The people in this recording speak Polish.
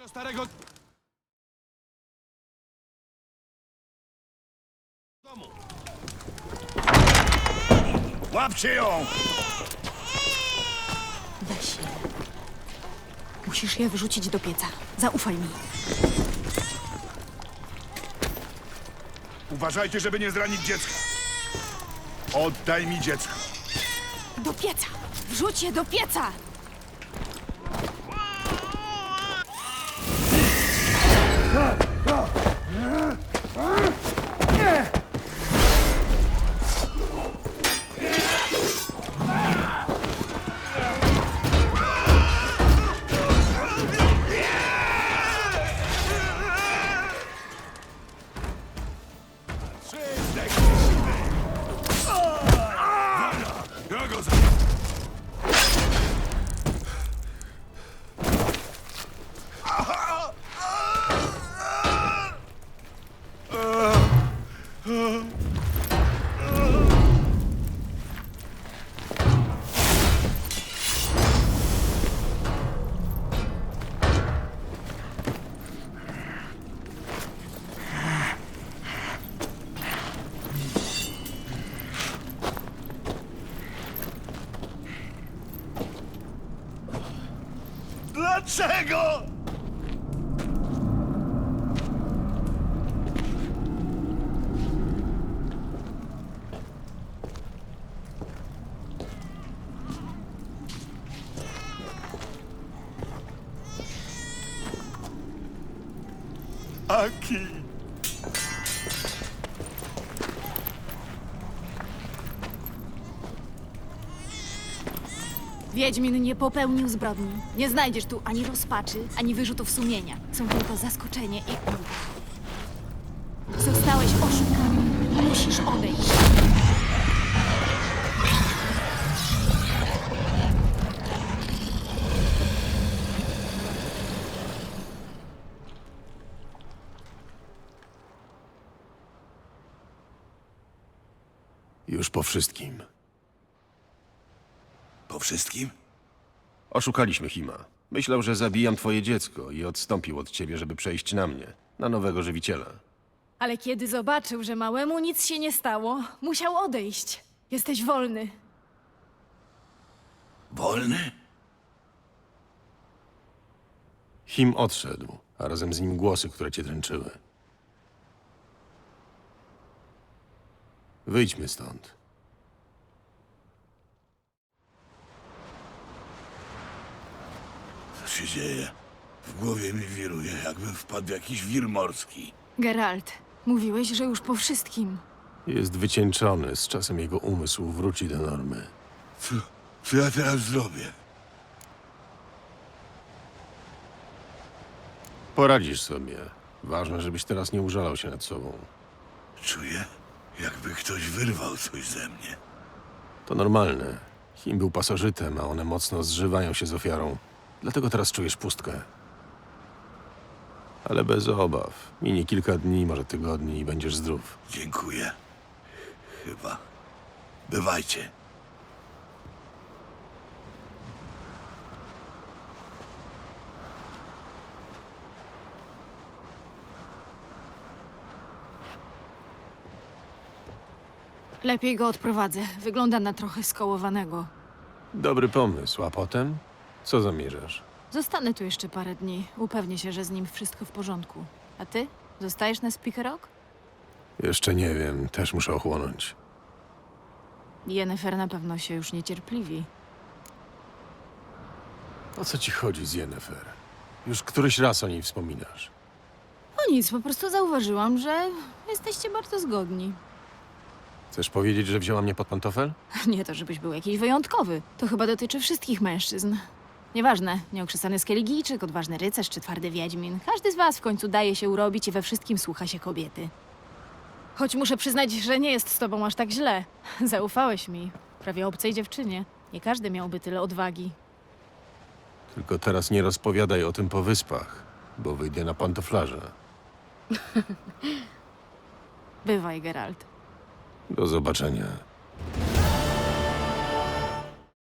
tego starego domu. Łapcie ją! Weź je. Musisz je wrzucić do pieca. Zaufaj mi. Uważajcie, żeby nie zranić dziecka. Oddaj mi dziecko. Do pieca! Wrzuć je do pieca! Ja go Dlaczego? Aki. Wiedźmin nie popełnił zbrodni. Nie znajdziesz tu ani rozpaczy, ani wyrzutów sumienia. Są tylko zaskoczenie i ulga. Zostałeś oszukany. Musisz odejść. Już po wszystkim. Po wszystkim? Oszukaliśmy Hima. Myślał, że zabijam twoje dziecko i odstąpił od ciebie, żeby przejść na mnie, na nowego żywiciela. Ale kiedy zobaczył, że małemu nic się nie stało, musiał odejść. Jesteś wolny. Wolny? Him odszedł, a razem z nim głosy, które cię dręczyły. Wyjdźmy stąd. Co się dzieje? W głowie mi wiruje, jakbym wpadł w jakiś wir morski. Geralt, mówiłeś, że już po wszystkim. Jest wycieńczony, z czasem jego umysł wróci do normy. Co ja teraz zrobię? Poradzisz sobie. Ważne, żebyś teraz nie użalał się nad sobą. Czuję, jakby ktoś wyrwał coś ze mnie. To normalne. Him był pasożytem, a one mocno zżywają się z ofiarą. Dlatego teraz czujesz pustkę. Ale bez obaw. Minie kilka dni, może tygodni i będziesz zdrów. Dziękuję. Chyba. Bywajcie. Lepiej go odprowadzę. Wygląda na trochę skołowanego. Dobry pomysł, a potem? Co zamierzasz? Zostanę tu jeszcze parę dni. Upewnię się, że z nim wszystko w porządku. A ty? Zostajesz na Speaker Rock? Jeszcze nie wiem, też muszę ochłonąć. Yennefer na pewno się już niecierpliwi. O co ci chodzi z Yennefer? Już któryś raz o niej wspominasz. O nic, po prostu zauważyłam, że jesteście bardzo zgodni. Chcesz powiedzieć, że wzięła mnie pod pantofel? Nie to, żebyś był jakiś wyjątkowy. To chyba dotyczy wszystkich mężczyzn. Nieważne, nieokrzesany skeligijczyk, odważny rycerz czy twardy wiedźmin. Każdy z was w końcu daje się urobić i we wszystkim słucha się kobiety. Choć muszę przyznać, że nie jest z tobą aż tak źle. Zaufałeś mi. Prawie obcej dziewczynie. Nie każdy miałby tyle odwagi. Tylko teraz nie rozpowiadaj o tym po wyspach, bo wyjdę na pantoflarze. Bywaj, Geralt. Do zobaczenia.